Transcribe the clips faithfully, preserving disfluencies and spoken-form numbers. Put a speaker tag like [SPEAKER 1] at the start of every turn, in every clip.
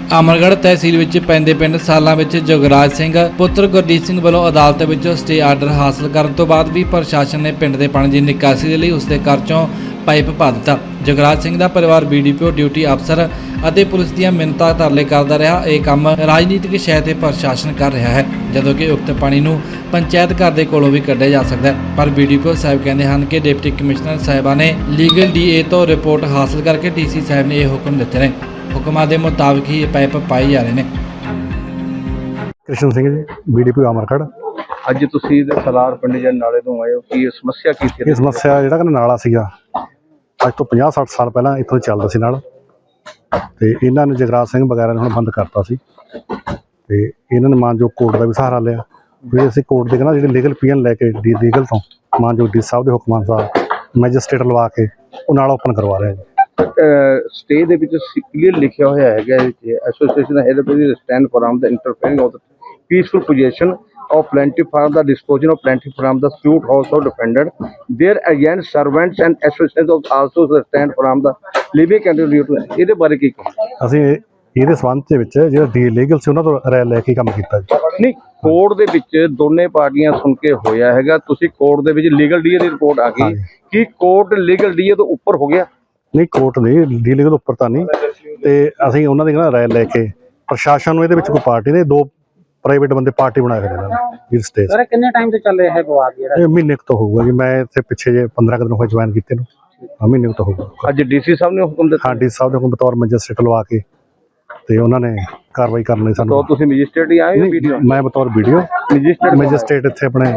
[SPEAKER 1] ਅਮਰਗੜ੍ਹ ਤਹਿਸੀਲ ਵਿੱਚ ਪੈਂਦੇ ਪਿੰਡ ਸਾਲਾਂ ਵਿੱਚ ਜੁਗਰਾਜ ਸਿੰਘ ਪੁੱਤਰ ਗੁਰਦੀਪ ਸਿੰਘ ਵੱਲੋਂ ਅਦਾਲਤ ਵਿੱਚੋਂ ਸਟੇ ਆਰਡਰ ਹਾਸਲ ਕਰਨ ਤੋਂ ਬਾਅਦ ਵੀ ਪ੍ਰਸ਼ਾਸਨ ਨੇ ਪਿੰਡ ਦੇ ਪਾਣੀ ਦੀ ਨਿਕਾਸੀ ਦੇ ਲਈ ਉਸ ਦੇ ਘਰ ਚੋਂ ਪਾਈਪ ਪਾ ਦਿੱਤਾ। ਜੁਗਰਾਜ ਸਿੰਘ ਦਾ ਪਰਿਵਾਰ ਬੀਡੀਪੀਓ ਡਿਊਟੀ ਅਫਸਰ ਅਤੇ ਪੁਲਿਸ ਦੀਆਂ ਮਿੰਨਤਾਂ ਤਰਲੇ ਕਰਦਾ ਰਿਹਾ। ਇਹ ਕੰਮ ਰਾਜਨੀਤਿਕ ਸ਼ੈ ਤੇ ਪ੍ਰਸ਼ਾਸਨ ਕਰ ਰਿਹਾ ਹੈ, ਜਦੋਂ ਕਿ ਉਕਤ ਪਾਣੀ ਨੂੰ ਪੰਚਾਇਤ ਘਰ ਦੇ ਕੋਲੋਂ ਵੀ ਕੱਢਿਆ ਜਾ ਸਕਦਾ ਹੈ। ਪਰ ਬੀਡੀਪੀਓ ਸਾਹਿਬ ਕਹਿੰਦੇ ਹਨ ਕਿ ਡਿਪਟੀ ਕਮਿਸ਼ਨਰ ਸਾਹਿਬਾਂ ਨੇ ਲੀਗਲ ਡੀਏ ਤੋਂ ਰਿਪੋਰਟ ਹਾਸਲ ਕਰਕੇ ਡੀਸੀ ਸਾਹਿਬ ਨੇ ਇਹ ਹੁਕਮ ਦਿੱਤੇ ਨੇ। ਹੁਕਮਾਂ ਦੇ ਮੁਤਾਬਕ ਹੀ ਇਹ ਪਾਈਪ ਪਾਏ ਜਾ ਰਹੇ ਨੇ।
[SPEAKER 2] कृष्ण सिंह जी बीडीपी अमरगढ़।
[SPEAKER 3] ਅੱਜ ਤੁਸੀਂ ਸਲਾਰ ਪਿੰਡ ਦੇ ਨਾਲੇ ਤੋਂ ਆਏ ਹੋ, ਕੀ ਸਮੱਸਿਆ ਕੀ ਸੀ?
[SPEAKER 2] ਇਹ ਸਮੱਸਿਆ ਜਿਹੜਾ ਕਿ ਨਾਲਾ ਸੀਗਾ ਅੱਜ ਤੋਂ ਪੰਜਾਹ ਸੱਠ ਸਾਲ ਪਹਿਲਾਂ ਇੱਥੋਂ ਚੱਲਦਾ ਸੀ ਨਾਲ, ਤੇ ਇਹਨਾਂ ਨੇ ਜਗਰਾਜ ਸਿੰਘ ਵਗੈਰਾ ਨੇ ਹੁਣ ਬੰਦ ਕਰਤਾ ਸੀ, ਤੇ ਇਹਨਾਂ ਨੇ ਮਾਨਯੋਗ ਕੋਰਟ ਦਾ ਵੀ ਸਹਾਰਾ ਲਿਆ। ਵੀ ਅਸੀਂ ਕੋਰਟ ਦੇ ਕਹਿੰਦਾ ਜਿਹੜੇ ਲੀਗਲ ਪੀਐਨ ਲੈ ਕੇ ਡੀ ਲੀਗਲ ਤੋਂ ਮਾਨਯੋਗ ਡੀ ਸਾਹਿਬ ਦੇ ਹੁਕਮਾਂ ਅਨੁਸਾਰ ਮੈਜਿਸਟ੍ਰੇਟ ਲਵਾ ਕੇ ਉਹ ਨਾਲਾ ਓਪਨ ਕਰਵਾ ਰਿਹਾ ਜੀ।
[SPEAKER 3] ਸਟੇ ਦੇ ਵਿੱਚ ਕਲੀਅਰ ਲਿਖਿਆ ਹੋਇਆ ਹੈਗਾ association had stand for the interfering of the peaceful position of plaintiff from the disposition of plaintiff from the suit also defended their agents servants and associates of also stand from the living contribute। ਇਹਦੇ ਬਾਰੇ ਕੀ ਕਹੋ?
[SPEAKER 2] ਅਸੀਂ ਇਹਦੇ ਸੰਬੰਧ ਦੇ ਵਿੱਚ ਜਿਹੜਾ D legal ਸੀ ਉਹਨਾਂ ਤੋਂ ਰਾਇ ਲੈ ਕੇ ਕੰਮ ਕੀਤਾ ਜੀ।
[SPEAKER 3] ਨਹੀਂ, ਕੋਰਟ ਦੇ ਵਿੱਚ ਦੋਨੇ ਪਾਰਟੀਆਂ ਸੁਣ ਕੇ ਹੋਇਆ ਹੈਗਾ, ਤੁਸੀਂ ਕੋਰਟ ਦੇ ਵਿੱਚ ਲੀਗਲ ਡੀਏ ਦੀ ਰਿਪੋਰਟ ਆ ਗਈ ਕਿ ਕੋਰਟ ਲੀਗਲ ਡੀਏ ਤੋਂ ਉੱਪਰ ਹੋ ਗਿਆ?
[SPEAKER 2] ਨਹੀਂ, ਕੋਰਟ ਨਹੀਂ, ਡੀ ਲੀਗਲ ਉੱਪਰ ਤਾਂ ਨਹੀਂ, ਤੇ ਅਸੀਂ ਉਹਨਾਂ ਦੀ ਕਹਿੰਦਾ ਰਾਇ ਲੈ ਕੇ ਪ੍ਰਸ਼ਾਸਨ ਨੂੰ ਇਹਦੇ ਵਿੱਚ ਕੋਈ ਪਾਰਟੀ ਨੇ ਦੋ ਪ੍ਰਾਈਵੇਟ ਬੰਦੇ ਪਾਰਟੀ ਬਣਾ ਕੇ ਦੇਣਾ ਜੀ। ਸਟੇਜ
[SPEAKER 4] ਸਰ ਕਿੰਨੇ ਟਾਈਮ ਤੋਂ ਚੱਲ ਰਿਹਾ ਹੈ ਵਿਵਾਦ ਜਿਹੜਾ?
[SPEAKER 2] ਇਹ ਮਹੀਨੇ ਕੁ ਤੋਂ ਹੋਊਗਾ ਜੀ। ਮੈਂ ਇੱਥੇ ਪਿੱਛੇ ਜੇ ਪੰਦਰਾਂ ਕੁ ਦਿਨ ਹੋਏ ਜੁਆਇਨ ਕੀਤੇ ਨੂੰ, ਮਹੀਨੇ ਕੁ ਤੋਂ ਹੋਊਗਾ।
[SPEAKER 3] ਅੱਜ ਡੀਸੀ ਸਾਹਿਬ ਨੇ ਹੁਕਮ ਦਿੱਤਾ?
[SPEAKER 2] ਹਾਂ, ਡੀ ਸਾਹਿਬ ਦੇ ਹੁਕਮ ਬਤੌਰ ਮੈਜਿਸਟ੍ਰੇਟ ਲਵਾ ਕੇ ਤੇ ਉਹਨਾਂ ਨੇ ਕਾਰਵਾਈ ਕਰਨ ਲਈ ਸਾਨੂੰ।
[SPEAKER 3] ਤੁਸੀਂ ਮੈਜਿਸਟ੍ਰੇਟ ਹੀ ਆਏ ਹੋ? ਵੀਡੀਓ
[SPEAKER 2] ਮੈਂ ਬਤੌਰ ਵੀਡੀਓ
[SPEAKER 3] ਮੈਜਿਸਟ੍ਰੇਟ
[SPEAKER 2] ਮੈਜਿਸਟ੍ਰੇਟ ਇੱਥੇ ਆਪਣੇ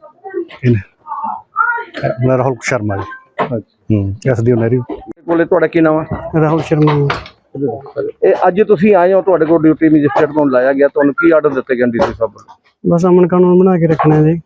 [SPEAKER 2] ਮੇਰਾ ਰਾਹੁਲ ਸ਼ਰਮਾ ਜੀ। ਹੂੰ, ਐਸਡੀਓ ਨਹਿਰੀ
[SPEAKER 3] ਕੋਲੇ। ਤੁਹਾਡਾ ਕੀ ਨਾਮ ਹੈ?
[SPEAKER 2] ਰਾਹੁਲ ਸ਼ਰਮਾ।
[SPEAKER 3] ਇਹ ਅੱਜ ਤੁਸੀਂ ਆਏ ਹੋ, ਤੁਹਾਡੇ ਕੋਲ ਡਿਊਟੀ ਮੈਜਿਸਟ੍ਰੇਟ ਤੋਂ ਲਾਇਆ ਗਿਆ, ਤੁਹਾਨੂੰ ਕੀ ਆਰਡਰ ਦਿੱਤੇ ਗਏ ਡੀਸੀ ਸਾਹਿਬ ਵੱਲੋਂ?
[SPEAKER 4] ਬਸ ਅਮਨ ਕਾਨੂੰਨ ਬਣਾ ਕੇ ਰੱਖਣਾ ਜੀ,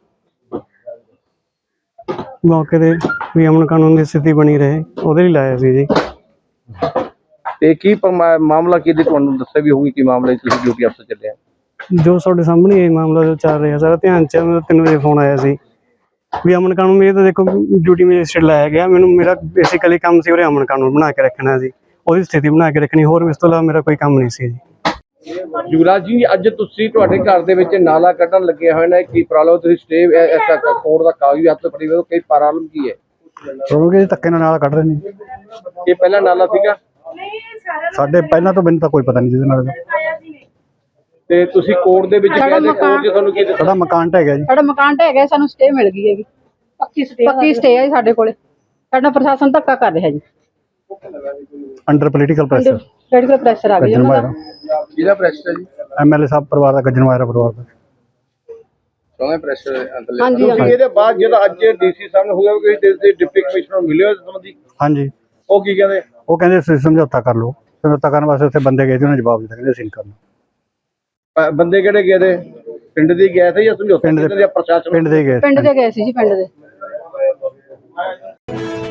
[SPEAKER 4] ਮੌਕੇ ਤੇ ਵੀ ਅਮਨ ਕਾਨੂੰਨ ਦੀ ਸਥਿਤੀ ਬਣੀ ਰਹੇ, ਉਹਦੇ ਲਈ ਲਾਇਆ ਸੀ ਜੀ।
[SPEAKER 3] ਤੇ ਕੀ ਮਾਮਲਾ ਕੀ ਦੀ ਤੁਹਾਨੂੰ ਦੱਸਿਆ ਵੀ ਹੋਊਗੀ, ਕੀ ਮਾਮਲਾ ਤੁਸੀਂ ਡਿਊਟੀ ਅਫਸਰ ਚੱਲੇ ਆ?
[SPEAKER 4] ਜੋ ਤੁਹਾਡੇ ਸਾਹਮਣੇ ਇਹ ਮਾਮਲਾ ਜੋ ਚੱਲ ਰਿਹਾ ਸਾਰਾ ਧਿਆਨ ਚ ਮੇਰਾ ਤਿੰਨ ਵਜੇ ਫੋਨ ਆਇਆ ਸੀ ਵੀ ਅਮਨ ਕਾਨੂੰਨ। ਇਹ ਤਾਂ ਦੇਖੋ ਡਿਊਟੀ ਮੈਜਿਸਟ੍ਰੇਟ ਲਾਇਆ ਗਿਆ, ਮੈਨੂੰ ਮੇਰਾ ਬੇਸਿਕਲੀ ਕੰਮ ਸੀ ਉਰੇ ਅਮਨ ਕਾਨੂੰਨ ਬਣਾ ਕੇ ਰੱਖਣਾ ਸੀ, ਉਹਦੀ ਸਥਿਤੀ ਬਣਾ ਕੇ ਰੱਖਣੀ, ਹੋਰ ਇਸ ਤੋਂ ਇਲਾਵਾ ਮੇਰਾ ਕੋਈ ਕੰਮ ਨਹੀਂ ਸੀ ਜੀ।
[SPEAKER 3] ਯੁਵਰਾਜ ਜੀ, ਅੱਜ ਤੁਸੀਂ ਤੁਹਾਡੇ ਘਰ ਦੇ ਵਿੱਚ ਨਾਲਾ ਕੱਢਣ ਲੱਗੇ ਹੋਏ ਨੇ, ਕੀ ਪ੍ਰੋਬਲਮ? ਤੁਸੀਂ ਸਟੇ ਕੋਰਟ ਦਾ ਕਾਗਜ਼ ਹੱਥ ਫੜੀ ਹੋਏ, ਕੀ ਪ੍ਰੋਬਲਮ ਕੀ ਹੈ?
[SPEAKER 2] ਕਿਉਂਕਿ ਧੱਕੇ ਨਾਲ ਨਾਲਾ ਕੱਢ ਰਹੇ ਨੇ।
[SPEAKER 3] ਇਹ ਪਹਿਲਾਂ ਨਾਲਾ ਸੀਗਾ
[SPEAKER 2] ਸਾਡੇ ਪਹਿਲਾਂ ਤੋਂ ਮੈਨੂੰ ਤਾਂ ਕੋਈ ਪਤਾ ਨਹੀਂ ਜਿਹਦੇ ਨਾਲ।
[SPEAKER 3] ਤੇ ਤੁਸੀਂ ਕੋਰਟ ਦੇ ਵਿੱਚ ਗਏ ਤੇ ਕੋਰਟ 'ਚ ਤੁਹਾਨੂੰ ਕੀ ਦਿੱਤਾ?
[SPEAKER 2] ਸਾਡਾ ਮਕਾਨ ਢਹਿ ਗਿਆ ਜੀ।
[SPEAKER 5] ਸਾਡਾ ਮਕਾਨ ਢਹਿ ਗਿਆ, ਸਾਨੂੰ ਸਟੇ ਮਿਲ ਗਈ ਹੈਗੀ, ਪੱਕੀ ਸਟੇ ਪੱਕੀ ਸਟੇ ਹੈ ਸਾਡੇ ਕੋਲੇ। ਸਾਡਾ ਪ੍ਰਸ਼ਾਸਨ ਧੱਕਾ ਕਰ ਰਿਹਾ ਜੀ,
[SPEAKER 2] under political pressure.
[SPEAKER 5] Political pressure ਆ ਗਿਆ ਉਹਨਾਂ ਦਾ।
[SPEAKER 3] ਜਿਹਦਾ ਪ੍ਰੈਸ਼ਰ ਹੈ ਜੀ
[SPEAKER 2] ਐਮਐਲਏ ਸਾਹਿਬ ਪਰਿਵਾਰ ਦਾ, ਗੱਜਣ ਵਾਇਰਾ ਪਰਿਵਾਰ ਦਾ
[SPEAKER 3] ਸੋਹਣਾ ਪ੍ਰੈਸ਼ਰ ਹੈ।
[SPEAKER 5] ਹਾਂਜੀ,
[SPEAKER 3] ਇਹਦੇ ਬਾਅਦ ਜਿਹੜਾ ਅੱਜ ਡੀਸੀ ਸਾਹਿਬ ਨੇ ਹੋਇਆ ਕਿ ਡਿਪਟੀ ਕਮਿਸ਼ਨਰ ਮਿਲਿਓ ਇਸ ਸੰਬੰਧੀ,
[SPEAKER 2] ਹਾਂਜੀ,
[SPEAKER 3] ਉਹ ਕੀ ਕਹਿੰਦੇ?
[SPEAKER 2] ਉਹ ਕਹਿੰਦੇ ਤੁਸੀਂ ਸਮਝੌਤਾ ਕਰ ਲਓ। ਸਮਝੌਤਾ ਕਰਨ ਵਾਸਤੇ ਉੱਥੇ ਬੰਦੇ ਗਏ ਸੀ, ਉਹਨਾਂ ਜਵਾਬ ਦਿੱਤਾ, ਕਹਿੰਦੇ ਅਸੀਂ ਕਰਨਾ।
[SPEAKER 3] ਬੰਦੇ ਕਿਹੜੇ ਗਏ ਦੇ? ਪਿੰਡ ਦੇ ਗਏ ਥੇ ਜਾਂ ਸਮਝੌਤਾ?
[SPEAKER 2] ਪਿੰਡ ਦੇ,
[SPEAKER 3] ਪ੍ਰਸ਼ਾਸਨ
[SPEAKER 2] ਪਿੰਡ ਦੇ ਗਏ
[SPEAKER 5] ਪਿੰਡ ਦੇ ਗਏ ਸੀ ਜੀ, ਪਿੰਡ ਦੇ।